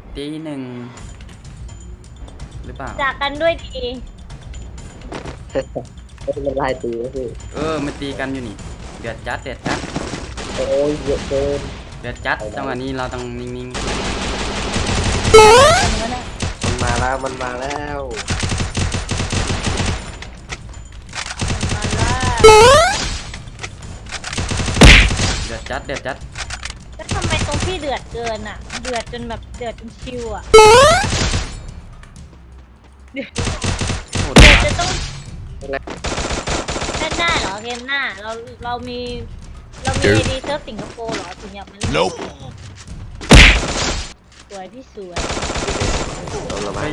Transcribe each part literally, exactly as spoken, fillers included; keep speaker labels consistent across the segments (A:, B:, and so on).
A: ตีหนึ่งหรือเปล่า
B: จากกันด้วยดี
C: มันไล่ตีก็คือ
A: เออมันตีกันอยู่นี่เดือดจัดเดือดจัด
C: โอ้ยเยอะเกิน
A: เดือดจัดจังหวะนี้เราต้องนิ่ง
C: มันมาแล้วมันมาแล้ว
B: มาล่า
A: ๆเดือดจัดเดือดจัด
B: แล้วทำไมตรงพี่เดือดเกินอ่ะ เดือดจนแบบเดือดจนชิวอ่ะ
A: โหด
B: เดือด
A: จั
B: จะ
A: ด
B: ต้องเล่นหน้าเหรอเกมหน้าเราเรามีเรามีไอดีเซิร์ฟสิงคโปร์เหรอถึงอยากมาเล่น
D: Nope
B: สวยพี่สวย
C: โดนระบา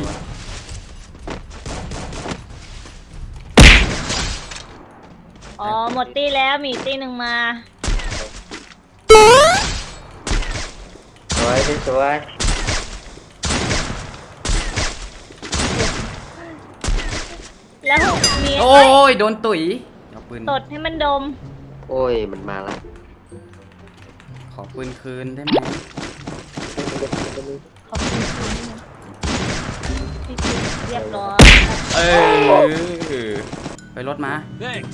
A: เฮ้
C: ย
A: ย
B: อ๋อหมดตีแล้วมีตีหนึ่งมา
C: สวยสวย
B: แล้วมี
A: โอ้ยโดนตุ๋ยเอาปืน
B: ตดให้มันดม
C: โอ้ยมันมาแล้ว
A: ขอปืนคืนได้ไหม
B: ขอบคุณคุณพี่เรียบร้อย
A: เออไปรถมา
D: Thanks.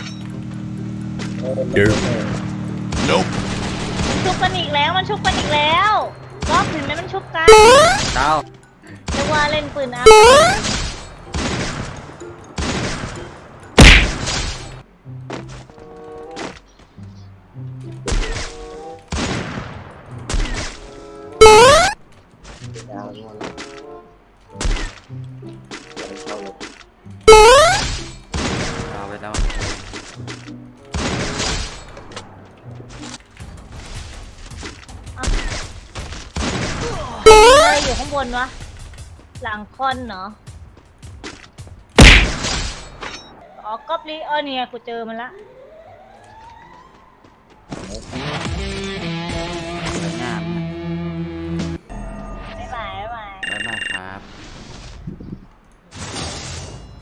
C: เดี๋ยว
D: Nope.
B: มันชุบกันอีกแล้วมันชุบกันอีกแล้วรอบเห็นไหมมันชุบกัน
A: ดาว
B: เรียกว่าเล่นปืนอัพ
C: ดาวงอนเข้าเลย
A: ดาวไปแล้ว
B: เลยอยู่ข้างบนวะหลังคอนเนาะอ๋อกอบลีเออเนี่ยกูเจอมันละ